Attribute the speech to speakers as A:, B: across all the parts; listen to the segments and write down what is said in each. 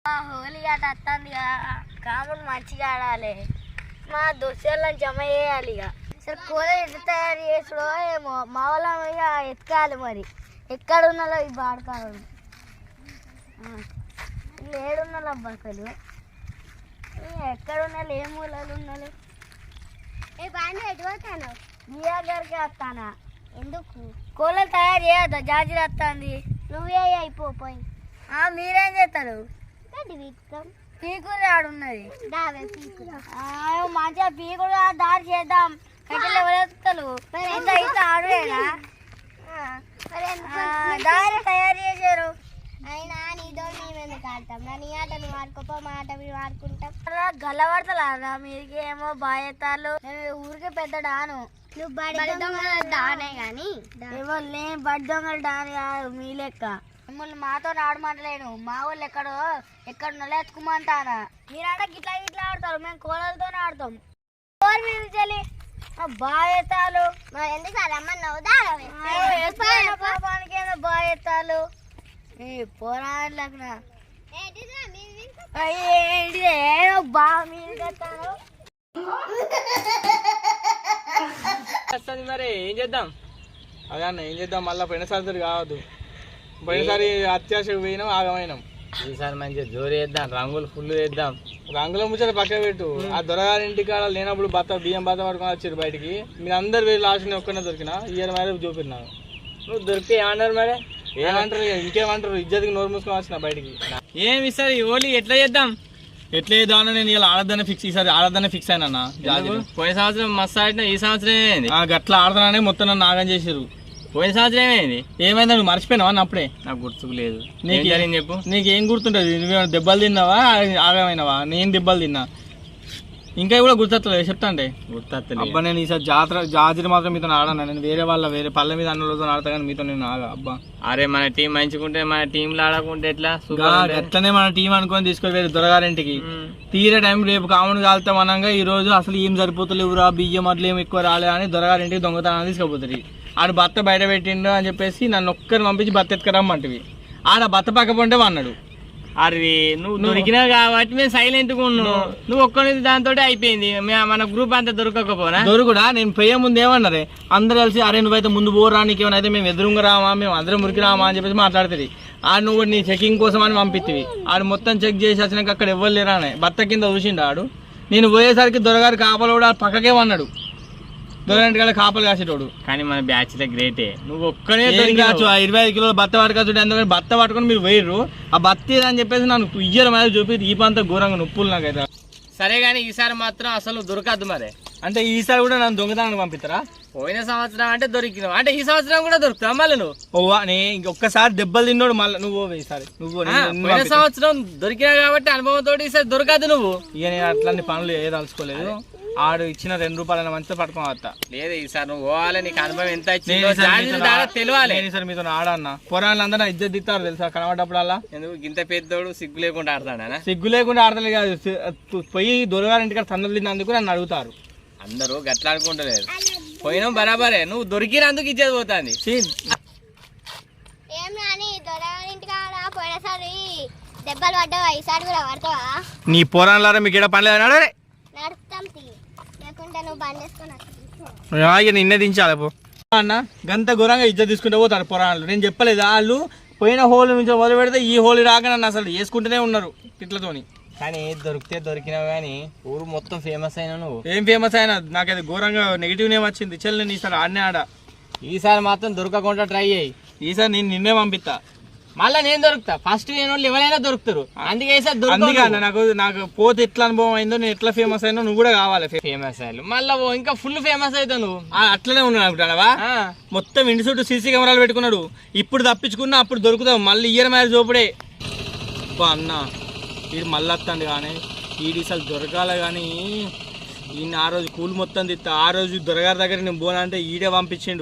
A: హోలీ ఆట వస్తుంది కాముడు మంచిగా ఆడాలి మా దోస్తులను జమ చేయాలి ఇక సరే కూర ఎట్లా తయారు చేసుడో ఏమో మా వాళ్ళ ఇక ఎత్తుకాలి మరి ఎక్కడ ఉన్నాలో ఈ బాడకాడు ఏడున్నాలో అబ్బాకలు ఎక్కడ ఉన్నాలో ఏ మూలలు ఉన్నాలో ఏ బాగా ఎటువస్తాను బియ్యా గారికి వస్తానా ఎందుకు కూలలు తయారు చేయొద్దా జాజీలు వస్తుంది నువ్వే అయిపోయి మీరేం చేస్తారు పీకులు ఆడున్నది మంచిగా పీకులు దారి చేద్దాం కట్టెలు ఎవరెత్తారు ఇట్లా ఆడువేనా దారి తయారు చేశారు అయినా నీతో మేమెందుకు ఆడతాం నీ ఆట నువ్వు ఆడుకోపో మా ఆట మేము ఆడుకుంటాం గల్లబడతలా మీరికి ఏమో బాధ్యతలు ఊరికి పెద్ద డాను నువ్వు బడి దొంగల డానే గాని ఎవరు నేను బడి దొంగల డాని కాదు మీ లెక్క మిమ్మల్ని మాతో ఆడమంటలేను మా వాళ్ళు ఎక్కడ ఎత్తుకోమంటానా మీరంటే గిట్లా గిట్లా ఆడతారు మేము కోళ్ళతోనే ఆడతాం చెల్లి బాధ్యతలు ఎందుకు పాపానికి ఏమో బాధ్యతలు పోరాడలేక ఏదో బాగా మీరు
B: మరి ఏం చేద్దాం అదే అన్న ఏం చేద్దాం మళ్ళీ పోయినసారి కావద్దు పోయినసారి అత్యాశకు పోయినాం ఆగమైనాం
C: ఈసారి మంచిగా జోరు వేద్దాం రంగులు ఫుల్ వేద్దాం
B: రంగుల ముచ్చట పక్క పెట్టు ఆ దొరగారి ఇంటికాడ లేనప్పుడు బియ్యం బత్త పట్టుకొని వచ్చారు బయటికి మీరు అందరు వెళ్ళి లాస్ట్ ఒక్కనే దొరికినా ఇయర్ మేర చూపినాను
C: నువ్వు దొరికితే ఏమన్నారు మరి
B: ఏమంటారు ఇంకేమంటారు ఇజ్జతికి నోరు మూసుకొని వచ్చిన బయటికి
C: ఏమి ఈసారి హోలీ ఎట్లా చేద్దాం
B: నేను ఇలా ఆడదానే ఫిక్స్ ఈసారి ఆడదానే ఫిక్స్ అయినా
C: పోయిన సంవత్సరం మస్తు ఆడినా ఈ సంవత్సరం ఏమైంది
B: గట్లా ఆడదానే మొత్తం నన్ను ఆగం చేసారు
C: పోయిన సంవత్సరం ఏమైంది
B: ఏమైందా నువ్వు మర్చిపోయినావా అప్పుడే
C: నాకు గుర్తుకు లేదు
B: నీకు
C: చెప్పు
B: నీకేం గుర్తుంటది నువ్వేమైనా దెబ్బలు తిన్నావా ఆగమైనవా నేను దెబ్బలు తిన్నా ఇంకా కూడా గుర్తొస్తలేదు చెప్తా అంటే
C: గుర్తొస్తలేదు
B: అబ్బా నేను ఈసారి జాజీలు మాత్రం మీతో ఆడాను నేను వేరే పల్లె మీద అన్నలతో ఆడతా కానీ మీతో నేను ఆగా అబ్బా
C: అరే మన టీం మంచుకుంటే మన టీంలో ఆడకుంటే ఎట్లా
B: ఎట్లనే మన టీం అనుకొని తీసుకొని వేరే దొరగారింటికి తీరే టైం రేపు కాముడు కాలుతాం అనగా ఈ రోజు అసలు ఏం సరిపోతలేవురా బియ్యం అట్లా ఏం ఎక్కువ రాలే అని దొరగారింటికి దొంగతనాన్ని తీసుకుపోతుంది ఆడు భర్త బయట పెట్టిండు అని చెప్పేసి నన్ను ఒక్కరిని పంపించి భర్త ఎత్తుకరమ్మంటివి ఆడ భర్త పక్క పొంటే అన్నాడు
C: అరే నువ్వు దొరికినావు కాబట్టి మేము సైలెంట్గా ఉన్నావు నువ్వు ఒక్కరి దాంతో అయిపోయింది మన గ్రూప్ అంతా దొరకకపోనా
B: దొరుకుడా నేను పోయే ముందు ఏమన్నారే అందరు కలిసి అరే నువ్వైతే ముందు పోరా నీకేమైనా అయితే మేము ఎదురుగా రామా మేము అందరం మురికి రామా అని చెప్పేసి మాట్లాడుతుంది ఆడు నువ్వు నీ చెకింగ్ కోసం అని పంపిస్తుంది ఆడు మొత్తం చెక్ చేసి వచ్చినాక అక్కడ ఎవ్వరు లేరానే భర్త కింద చూసిండు ఆడు నేను పోయేసరికి దొరగారి కాపలు కూడా పక్కకే ఉన్నాడు దొరగారి కాపలు కాసేటోడు
C: కానీ మన బ్యాచ్ గ్రేటే నువ్వు ఒక్కనే
B: 25 కిలోల భర్త పట్టుకొచ్చు ఎందుకంటే భర్త పట్టుకొని మీరు పోయిర్రు ఆ భర్త అని చెప్పేసి నన్ను ఇయ్యరు మీద చూపి ఈ పంత ఘోరంగా నొప్పులు నాకైతే
C: సరే కానీ ఈసారి మాత్రం అసలు దొరకద్దు మరి
B: అంటే ఈసారి కూడా నన్ను దొంగతనానికి పంపిస్తారా
C: పోయిన సంవత్సరం అంటే దొరికినావు అంటే ఈ సంవత్సరం కూడా దొరుకుతావు మళ్ళీ నువ్వు
B: ఇంకొకసారి దెబ్బలు తిన్నాడు మళ్ళీ నువ్వు ఈసారి
C: పోయిన సంవత్సరం దొరికినావు కాబట్టి అనుభవంతో ఈసారి దొరకదు నువ్వు
B: ఇక నేను అట్లాంటి పనులు ఏదలుచుకోలేదు ఆడు ఇచ్చిన 2 రూపాయల మంచిగా పట్టుకొని వస్తా
C: లేదు ఈసారి నువ్వు పోవాలి నీకు అనుభవం ఎంత ఇచ్చిందో తెలియాలి
B: సార్ మీతో ఆడన్నా పొరాళ్ళు అందరూ ఇజ్జత్ దిస్తారు తెలుసా కనబడ్డప్పుడల్లా
C: ఎందుకు ఇంత పెద్దోడు సిగ్గు లేకుండా ఆడతాడా
B: సిగ్గు లేకుండా ఆడతలే కాదు పోయి దొరగారింటికి తన్నులు తిన్నందుకు నన్ను అడుగుతారు
C: అందరూ గట్లా అనుకుంటలేదు పోయినాం బరాబరే నువ్వు దొరికినందుకు ఇచ్చేది పోతుంది
B: నీ పోరాళ్ళారా మీకు ఇక్కడ పని లేదు నిన్నే దించాలి అన్న గంత ఘోరంగా ఇజ్జత్ తీసుకుంటే పోతారు పొరాళ్ళు నేను చెప్పలేదు వాళ్ళు పోయిన హోలీ నుంచి మొదలు పెడితే ఈ హోలీ రాక నన్ను అసలు వేసుకుంటూనే ఉన్నారు ఇట్లతోని
C: కానీ దొరికితే దొరికినావు కానీ ఊరు మొత్తం ఫేమస్ అయినా నువ్వు
B: ఏం ఫేమస్ అయినా నాకైతే ఘోరంగా నెగిటివ్ నేమ్ వచ్చింది చెల్లి నేను ఈసారి ఆడనే ఆడ
C: ఈసారి మాత్రం దొరకకుండా ట్రై చేయి
B: ఈసారి నేను నిన్నే పంపిస్తా
C: మళ్ళీ నేను దొరుకుతా ఫస్ట్ నేను ఎవరైనా దొరుకుతారు అందుకే
B: నాకు పోతే ఎట్లా అనుభవం అయిందో నేను ఎట్లా ఫేమస్ అయినా నువ్వు కూడా కావాలి
C: ఫేమస్ అయ్యాలి మళ్ళీ ఇంకా ఫుల్ ఫేమస్ అవుతావు నువ్వు
B: అట్లనే ఉన్నాడు అనుకుంటావా మొత్తం ఇంటి చుట్టూ సీసీ కెమెరాలు పెట్టుకున్నాడు ఇప్పుడు తప్పించుకున్నా అప్పుడు దొరుకుతావు మళ్ళీ ఇయర్ మ్యారేజ్ చూపుడే అన్న వీడు మళ్ళీ వస్తాడు కానీ వీడి అసలు దొరకాలి కానీ ఈయన ఆ రోజు కూలి మొత్తం తిత్తా ఆ రోజు దొరగారి దగ్గర నేను పోనా అంటే ఈడే పంపించిండు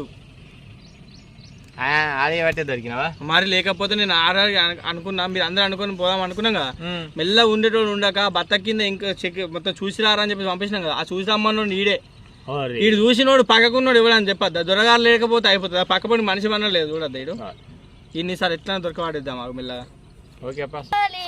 C: అదే బట్టే దొరికినావా
B: మరి లేకపోతే నేను అనుకున్నా మీరు అందరూ అనుకుని పోదాం అనుకున్నాం కదా మెల్ల ఉండేటోడు ఉండక భర్త కింద ఇంకా చెక్ మొత్తం చూసి రారా అని చెప్పి పంపించినాం కదా ఆ చూసి రమ్మన్నాడు ఈడే వీడు చూసినోడు పక్కకున్నాడు ఇవ్వడని చెప్పద్దా దొరగారు లేకపోతే అయిపోతుంది పక్కపడి మనిషి అన్న లేదు చూడద్దా వీడు ఇన్నిసార్లు ఎట్లా దొరకవాడిద్దాం మాకు మెల్లగా
C: ఓకే అప్ప.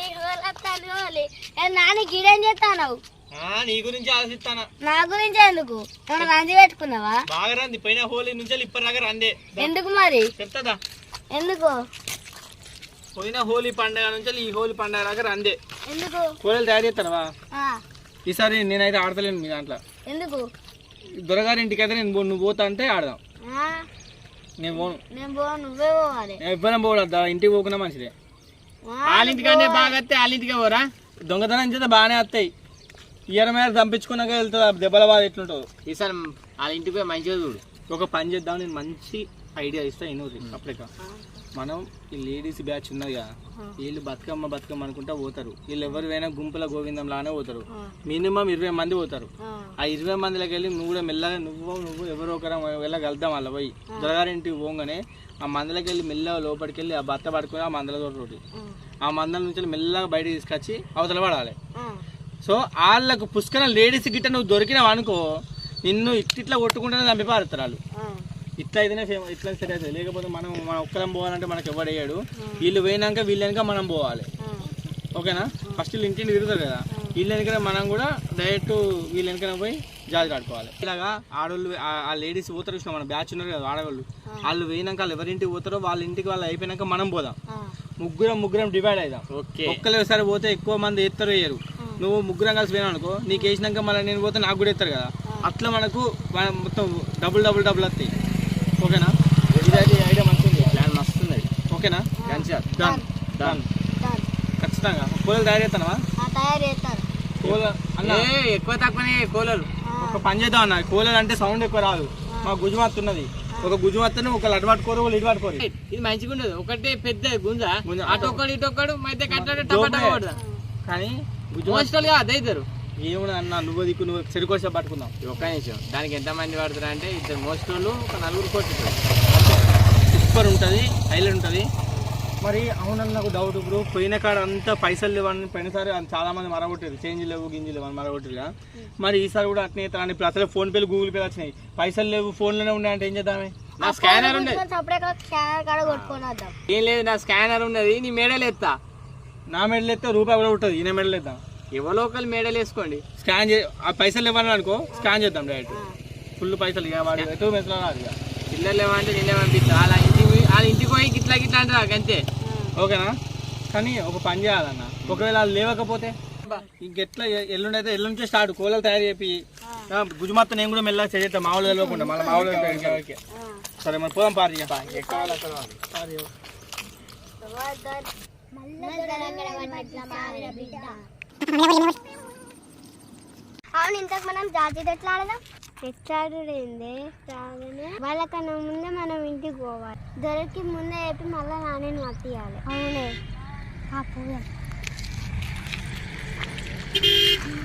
A: నాని గిడేం చేస్తావు?
B: నీ గురించి ఆలోచిస్తానా.
A: నా గురించి ఎందుకు? ఏమన్నా రంది పెట్టుకున్నావా?
B: బాగా రంది పోయిన హోలీ నుంచి ఇప్పటి దాకా రందే.
A: ఎందుకు మరి?
B: చెప్తాదా?
A: ఎందుకు?
B: పోయిన హోలీ పండుగ నుంచి ఈ హోలీ పండుగ దాకా రందే.
A: ఎందుకు?
B: కూరలు తయారు చేస్తావా? ఈసారి నేనైతే ఆడతలేను మీ దాంట్లో.
A: ఎందుకు?
B: దొరగారి ఇంటికి అయితే నేను నువ్వు పోతా అంటే ఆడదాం. నేను పోను.
A: నువ్వే పోవాలి.
B: నేను ఇవ్వడం పోవద్దా, ఇంటికి పోకున్నా మంచిదే.
C: వాళ్ళ ఇంటికంటే బాగా వస్తే వాళ్ళ ఇంటికే పోరా.
B: దొంగతనం చేస్తే బాగానే వస్తాయి. ఇయర్ మీద చంపించుకున్నాక వెళ్తుంది దెబ్బల బాధ ఎట్లుంటుందో.
C: ఈసారి వాళ్ళ ఇంటికి పోయి మంచిగా చూడు.
B: ఒక పని చేద్దాం, నేను మంచి ఐడియా ఇస్తా. ఇన్నోది అప్పుడే మనం ఈ లేడీస్ బ్యాచ్ ఉన్నది కదా, వీళ్ళు బతుకమ్మ అనుకుంటా పోతారు. వీళ్ళు ఎవరు పోయినా గుంపుల గోవిందం లానే పోతారు. మినిమం 20 మంది పోతారు. ఆ 20 మందిలోకి వెళ్ళి నువ్వు కూడా మెల్లగా నువ్వు ఎవరో ఒకరు వెళ్ళగలుగుతాం. వాళ్ళ పోయి దొరగారింటికి పోగానే ఆ మందలకి వెళ్ళి మెల్లగా లోపలికి వెళ్ళి ఆ బత్త పడుకొని ఆ మందల తోటి ఆ మందల నుంచి మెల్లగా బయటకు తీసుకొచ్చి అవతల పడాలి. సో వాళ్ళకు పుష్కర లేడీస్ గిట్ట నువ్వు దొరికినావు అనుకో, నిన్ను ఇట్లా కొట్టుకుంటేనే చంపి పారుతారు వాళ్ళు. ఇట్లా అయితేనే ఇట్లా సెట్ అవుతుంది. లేకపోతే మన ఒక్కరం పోవాలంటే మనకు ఎవడయ్యాడు. వీళ్ళు పోయినాక వీళ్ళ వెనక మనం పోవాలి. ఓకేనా? ఫస్ట్ వీళ్ళు ఇంటిని తిరుగుతారు కదా, వీళ్ళ వెనక మనం కూడా డైరెక్ట్ వీళ్ళ వెనక పోయి జాతి ఆడుకోవాలి. ఇలాగా ఆడవాళ్ళు ఆ లేడీస్ పోతారు చూసిన మన బ్యాచ్ ఉన్నారు కదా ఆడవాళ్ళు, వాళ్ళు పోయినాక వాళ్ళు ఎవరింటికి పోతారో వాళ్ళ ఇంటికి వాళ్ళు అయిపోయినాక మనం పోదాం. ముగ్గురం డివైడ్ అవుదాం. ఒక్కలేసారి పోతే ఎక్కువ మంది ఎత్తారు వేయరు. నువ్వు ముగ్గురం కలిసి పోయినావు అనుకో, నీకు వేసినాక మళ్ళీ నేను పోతే నాకు కూడా ఎత్తారు కదా, అట్లా మనకు మొత్తం డబుల్ వస్తాయి. ఓకేనా? ఇది ఐడియా మంచిది, ప్లాన్ మస్తుంది. ఓకేనా? డన్ డన్ ఖచ్చితంగా. కూలలు తయారు చేస్తానవా?
C: ఎక్కువ తక్కువనే కూలలు.
B: ఒక పని చేద్దాం అన్న, కూలలు అంటే సౌండ్ ఎక్కువ రాదు. మా గుజుమత్తు ఉన్నది, ఒక గుజుమత్తని ఒకళ్ళు అటు పట్టుకోరు ఒకళ్ళు ఇటు పట్టుకోరు.
C: ఇది మంచిగా ఉండదు. ఒకటి పెద్ద గుంజ అటొక్కడు ఇటొక్కడు మధ్య కట్టాడు.
B: కానీ
C: మోస్టల్గా అదే ఇద్దరు
B: ఏమన్నా అన్న నువ్వు దిక్కు నువ్వు చెరుకోసం పట్టుకుందాం.
C: ఒక్క నిమిషం. దానికి ఎంతమంది పడతారు అంటే 2 మోస్టోళ్ళు, ఒక 4 కొట్టుతారు.
B: సూపర్ ఉంటుంది, హైలైట్ ఉంటుంది. మరి అవునన్న నాకు డౌట్, ఇప్పుడు పోయిన కాడ అంతా పైసలు లేవని పోయినసారి చాలా మంది మరగొట్టారు. చేంజ్ లేవు గింజలు లేవు అని మరగొట్టారు. మరి ఈసారి కూడా అట్నే అవుతారని. ఇప్పుడు అసలు ఫోన్ పేలు గూగుల్ పేలు వచ్చినాయి, పైసలు లేవు ఫోన్లోనే ఉన్నాయంటే ఏం చేద్దామే?
C: నా స్కానర్ ఉండేది. ఏం లేదు, నా స్కానర్ ఉన్నది. నీ మెడల్ ఎత్తా.
B: నా మెడల్ ఎత్తే రూపాయి కూడా ఉంటుంది. ఈయన మెడల్ ఎత్తాం.
C: ఎవరో ఒకరు మెడల్ వేసుకోండి.
B: స్కాన్ ఆ పైసలు ఇవ్వాలి అనుకో, స్కాన్ చేద్దాం డైరెక్ట్. ఫుల్ పైసలు ఇక వాడు ఎటు మెసలు రాదు. ఇక
C: పిల్లలు ఏమంటే నేనే పంపిస్తా. వాళ్ళ ఇంటికి పోయి గిట్లా అంటారు అంతే.
B: ఓకేనా? కానీ ఒక పని చేయాలన్న, ఒకవేళ వాళ్ళు లేవకపోతే ఇంకెట్లా ఎల్లుండి అయితే ఎల్లుండి స్టార్ట్ కూలలు తయారు చేపి గుజుమత్త నేను కూడా మెల్లగా చేద్దాం. మా ఊళ్ళో తెలియకుండా మళ్ళీ మా ఊళ్ళో. సరే మరి పోదాం. పారి
A: అవును, ఇంతకు మనం జాతీయ ఎట్లా ఆడదాం? ఎట్లాడుంది వాళ్ళకన్నా ముందే మనం ఇంటికి పోవాలి. దొరికి ముందే చెప్పి మళ్ళీ నాని మట్టియాలి. అవునే పోదాం.